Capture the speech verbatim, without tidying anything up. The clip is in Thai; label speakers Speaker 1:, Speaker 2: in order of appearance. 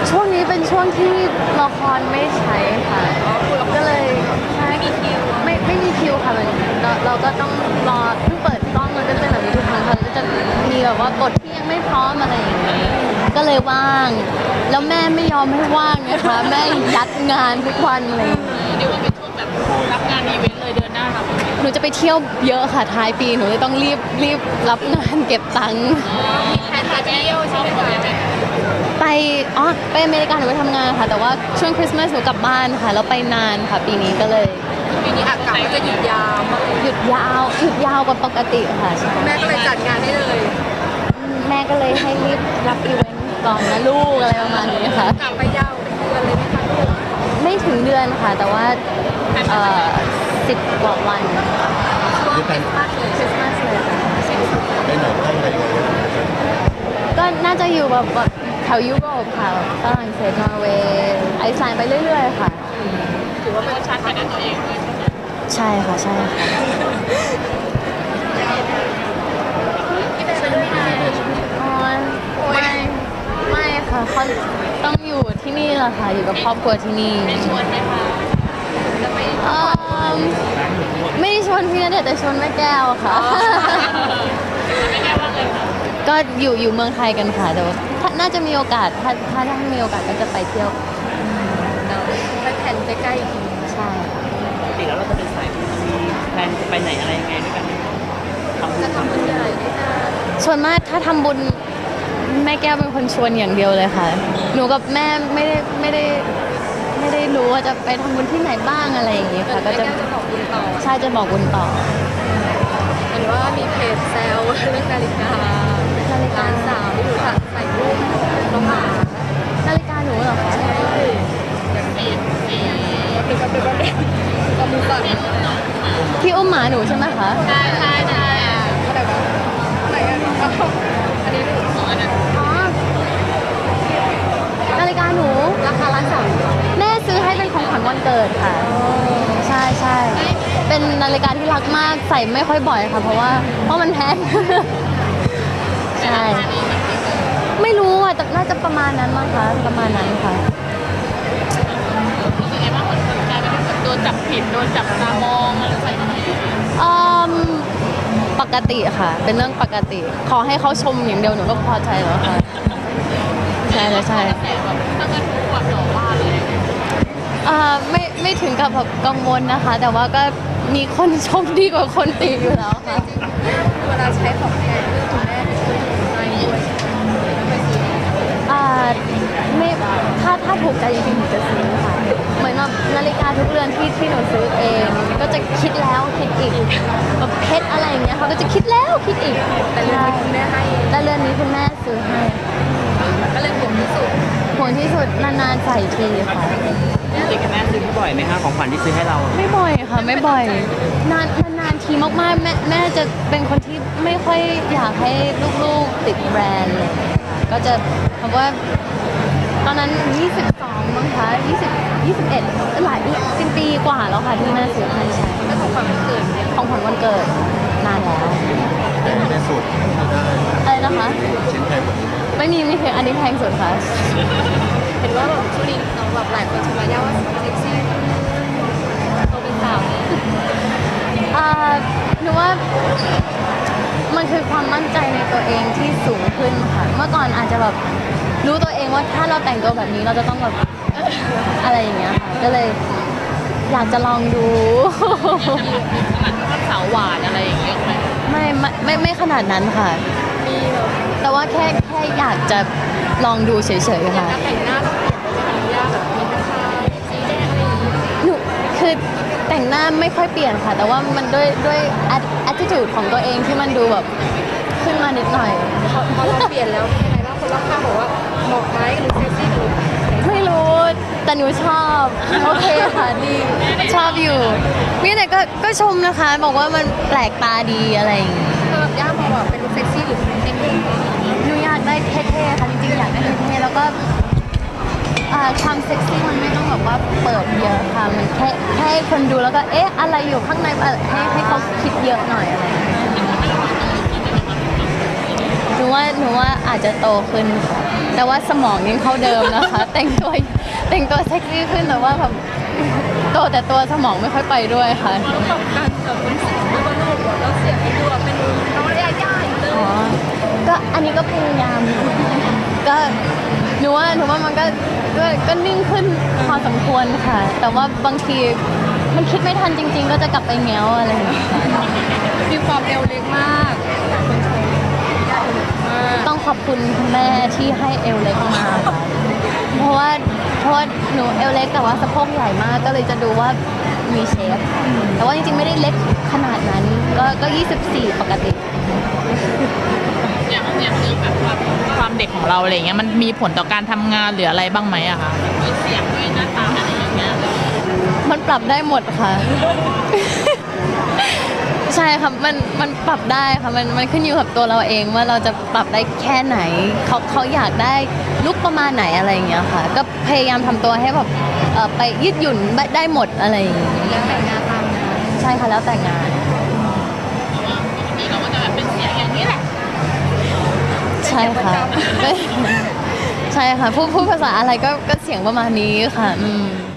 Speaker 1: ช่วงนี้เป็นช่วงที่ละครไม่ใช้ค่ะก็เลยใช่ไม่มีคิวไม่ไม่มีคิวค่ะมันเราเราก็ต้องรอเพิ่งเปิดกล้องมันก็จะเป็นแบบนี้ทุกครั้งค่ะก็จะมีแบบว่าบทที่ยังไม่พร้อมอะไรอย่างเงี้ยก็เลยว่างแล้วแม่ไม่ยอมให้ว่างนะคะแม่ยัดงานทุกวันเลย
Speaker 2: เรียกว่าเป็นช่วงแบบรับงานอีเวนต์เลยเดือนหน้าครับ
Speaker 1: หนูจะไปเที่ยวเยอะค่ะท้ายปีหนูเลยต้องรีบรีบรับงานเก็บตังค์
Speaker 2: มีแผนจะเที่ยวใช่ไหมคะ
Speaker 1: ไปอ๋อไปอเมริกาหนูไปทำงานค่ะแต่ว่าช่วงคริสต์มาสหนูกลับบ้านค่ะแล้วไปนานค่ะปีนี้ก็เลย
Speaker 2: ปีนี้อากาศก็จะหยุดยาว
Speaker 1: หยุดยาวหยุดยาวกว่าปกติค่ะ
Speaker 2: แม่ก็เลยจัดงานให้เลย
Speaker 1: แม่ก็เลยให้รีบรับอีเวนต์ก่อนนะลูกอะไรประมาณนี้ค่ะ
Speaker 2: กลับไปยาวเป็นเดือนเลยไหมคะลูก
Speaker 1: ไม่ถึงเดือนค่ะแต่ว่าเอ่อสิบกว่าวัน
Speaker 2: ช่วงคริสต์มาสเลย
Speaker 1: คริสต์มาสเลยค่ะ
Speaker 3: ไปไหนท่องอะไรกัน
Speaker 1: ก็น่าจะอยู่แบบแบบแถวยุโรปค่ะฝรั่งเศสนอร์เวย์ไอซ์แลนด์ไปเรื่อยๆค่ะ
Speaker 2: ถือว่าเป็นชาร์จไปในตัวเองด้วย
Speaker 1: ใช่ค่ะใช่ค่ะ
Speaker 2: ที่เป็นไปด้วยนะ
Speaker 1: ไม่ไม่ค่ะเขาต้องอยู่ที่นี่แหละค่ะอยู่กับครอบครัวที่นี่
Speaker 2: ไม่ชวนไหมคะจะไป
Speaker 1: ไม่ได้ชวนพี่ณเดชน์แต่ชวนแม่แก้วค่ะ
Speaker 2: แม่แก้วว่าไงคะ
Speaker 1: ก็อยู่อยู่เมืองไทยกันค่ะแต่ว่าน่าจะมีโอกาสถ้าถ้าถ้ามีโอกาสก็จะไปเที่ยว
Speaker 2: ไปแผนใกล้ๆ
Speaker 1: ใช่
Speaker 2: ปกติแล้วเราจะเป็นสายที่แพลนจะไปไหนอะไรยังไงด้วยกันจะทำบุญใหญ่ด้วยกัน
Speaker 1: ส่วนมากถ้าทำบุญแม่แก้วเป็นคนชวนอย่างเดียวเลยค่ะหนูกับแม่ไม่ได้ไม่ได้ไม่ได้รู้ว่าจะไปทำบุญที่ไหนบ้างอะไรอย่างงี้ค่ะก็จะ
Speaker 2: บอกบุญต่อ
Speaker 1: ใช่จะบอกบุญต่อ
Speaker 2: เห็นว่ามีเพจแซวเรื่องนาฬิกานาฬิกาสาวที่หนูถักใส่รูปน้องหมา
Speaker 1: นาฬิกาหนูเหรอคะ
Speaker 2: ใช่แบบสีสีเป็นแบบเป็นแบบก็มือก่อน
Speaker 1: ที่อุ้มหมาหนูใช่ไหมคะ
Speaker 2: ใช่ใช่ใช่อะไรวะไหนอ่ะอันนี้ดูของอันนั้น
Speaker 1: อ๋อนาฬิกาหนู
Speaker 2: ราคาล้านสาม
Speaker 1: แม่ซื้อให้เป็นของขวัญวันเกิดค่ะใช่ใช่เป็นนาฬิกาที่รักมากใส่ไม่ค่อยบ่อยค่ะเพราะว่าเพราะมันแพงใช่ไม่รู้อ่ะแต่น่าจะประมาณนั้นมั้งคะประมาณนั้นค่ะ
Speaker 2: รู้สึกไงบ้างคนกลายเป็นแบบโดนจับผิดโดนจับตามองอะไรใส่ไหม
Speaker 1: อืมปกติค่ะเป็นเรื่องปกติขอให้เขาชมอย่างเดียวหนูก็พอใจแล้วค่ะใช่ใช่
Speaker 2: แต่แบบตั้งแต่ทุกวันหรอว่าเลย
Speaker 1: อ่าไม่ไม่ถึงกับแบบกังวลนะคะแต่ว่าก็มีคนชมดีกว่าคนตีอยู่แล้วค่ะ
Speaker 2: เวลาใช้ของแพงเรื่องคุณแม่เป็นคนไม่ด้วย
Speaker 1: อ่าไม่ถ้าถ้าถูกใจจริงๆหนูจะซื้อค่ะเหมือนแบบนาฬิกาทุกเรือนที่ที่หนูซื้อเองก็จะคิดแล้วคิดอีกแบบเพชรอะไรอย่างเงี้ยเขาก็จะคิดแล้วคิดอีก
Speaker 2: แต่เรือนนี้คุณแม่ให้
Speaker 1: แต่เรือนนี้คุณแม่ซื้อให้
Speaker 2: ก็เลยห่วงที่สุด
Speaker 1: ห่วงที่สุดนานๆใส่ทีค่ะ
Speaker 2: จริงๆแม่ซื้อบ่อยไหมคะของขวัญที่ซื้อให้เรา
Speaker 1: ไม่บ่อยค่ะไม่บ่อยนานนานทีมากๆแม่แม่จะเป็นคนที่ไม่ค่อยอยากให้ลูกๆติดแบรนด์เลยก็จะเพราะว่าตอนนั้นยี่สิบสองมั้งคะยี่สิบ ยี่สิบเอ็ดหลายสิบปีกว่าแล้วค่ะที่แม่ซื้อให้ใช้
Speaker 2: ก็ของขวัญวันเกิด
Speaker 1: ของขวัญวันเกิดนานแล้ว
Speaker 3: ในสุด
Speaker 1: อะไรนะคะ
Speaker 3: ชิ้นแพงกว่านี้
Speaker 1: ไม่มีไม่เคยอันนี้แพงสุดค่ะ
Speaker 2: เห็นว่าแบบช่วงนี้น้องแบบหลายคนชมว่าว่าเซ็กซี่โตเป็นสาว
Speaker 1: อ่าหนูว่ามันคือความมั่นใจในตัวเองที่สูงขึ้นค่ะเมื่อก่อนอาจจะแบบรู้ตัวเองว่าถ้าเราแต่งตัวแบบนี้เราจะต้องแบบอะไรอย่างเงี้ยค่ะก็เลยอยากจะลองดู
Speaker 2: สาวหวานอะไรอย่างเงี้ยไหม
Speaker 1: ไม่ไม่ไม่ขนาดนั้นค่ะ
Speaker 2: มี
Speaker 1: แต่ว่าแค่แค่อยากจะลองดูเฉยๆค่ะ
Speaker 2: การแต่งหน้าต้องเปลี่ยนไปเป็นยากแบบมีผ้าสีแดงอะไรอย่างเงี้ย
Speaker 1: หนูคือแต่งหน้าไม่ค่อยเปลี่ยนค่ะแต่ว่ามันด้วยด้วย attitude ของตัวเองที่มันดูแบบขึ้นมานิดหน่อย
Speaker 2: พอเราเปลี่ยนแล้วเป็นยังไงบ้างคนรอบข้างบอกว่าเหมาะไหมหรือเซ็กซี่หรือ
Speaker 1: ไม่รู้แต่หนูชอบโอเคค่ะดีชอบอยู่นี่แต่ก็ก็ชมนะคะบอกว่ามันแปลกตาดีอะไรอย่างงี้
Speaker 2: เออย่าพอแบบเป็นเซ็กซี่หรือเซ็กซี่
Speaker 1: หนูอยากได้เท่ๆค่ะจริงๆอยากได้เท่ๆแล้วก็ความเซ็กซี่มันไม่ต้องแบบว่าเปิดเยอะค่ะมันแค่แค่คนดูแล้วก็เอ๊ะอะไรอยู่ข้างในให้ให้เขาคิดเยอะหน่อยอะไรหนูว่าหนูว่าอาจจะโตขึ้นค่ะแต่ว่าสมองยังเท่าเดิมนะคะ แต่งตัวแต่งตัวเซ็กซี่ขึ้นแต่ว่าแบบโตแต่ตัวสมองไม่ค่อยไปด้วยค่ะ
Speaker 2: แล้วกับการแบบเป็นเสียงด้วยว่าลูกแล้วเสียงไอ้ตัวเป็นน้องระยะย่าอยู่เลย
Speaker 1: อ๋อ ก็อันนี้ก็พยายาม ก็หนูว่าหนูว่ามันก็ก็ก็นิ่งขึ้นพอสมควรค่ะ แต่ว่าบางทีมันคิดไม่ทันจริง ๆ ก็จะกลับไปแง้วอะไรอย่างเงี้ยค่ะ
Speaker 2: มีความเอวเล็กมากคนชมมาก
Speaker 1: ต้องขอบคุณคุณแม่ที่ให้เอวเล็กมาค่ะเพราะว่าเพราะว่าหนูเอวเล็กแต่ว่าสะโพกใหญ่มากก็เลยจะดูว่ามีเชฟ แต่ว่าจริงๆไม่ได้เล็กขนาดนั้น ก็ก็ยี่สิบสี่ปกติ
Speaker 4: อย่างอย่างเรื่องแบบความความเด็กของเราอะไรเงี้ยมันมีผลต่อการทำงานหรืออะไรบ้างไหมอะคะด้วยเสียงด้วยหน้าตาอะไรอย่างเงี้ย
Speaker 1: มันปรับได้หมดค่ะ ใช่ค่ะมันมันปรับได้ค่ะมันมันขึ้นอยู่กับตัวเราเองว่าเราจะปรับได้แค่ไหนเขาเขาอยากได้ลุกประมาณไหนอะไรอย่างเงี้ยค่ะ ก็พยายามทำตัวให้แบบเอ่อไปยืดหยุ่นได้หมดอะไรอย่างเงี้ย
Speaker 2: แล้วแต่งงานตามงาน
Speaker 1: ใช่ค่ะแล้วแต่งาน
Speaker 4: นี่เราก็จะแบบเป็นเสียงอย่างนี้แหละ
Speaker 1: ใช่ค่ะ ใช่ค่ะพูดพูดภาษาอะไรก็ก็เสียงประมาณนี้ค่ะอืม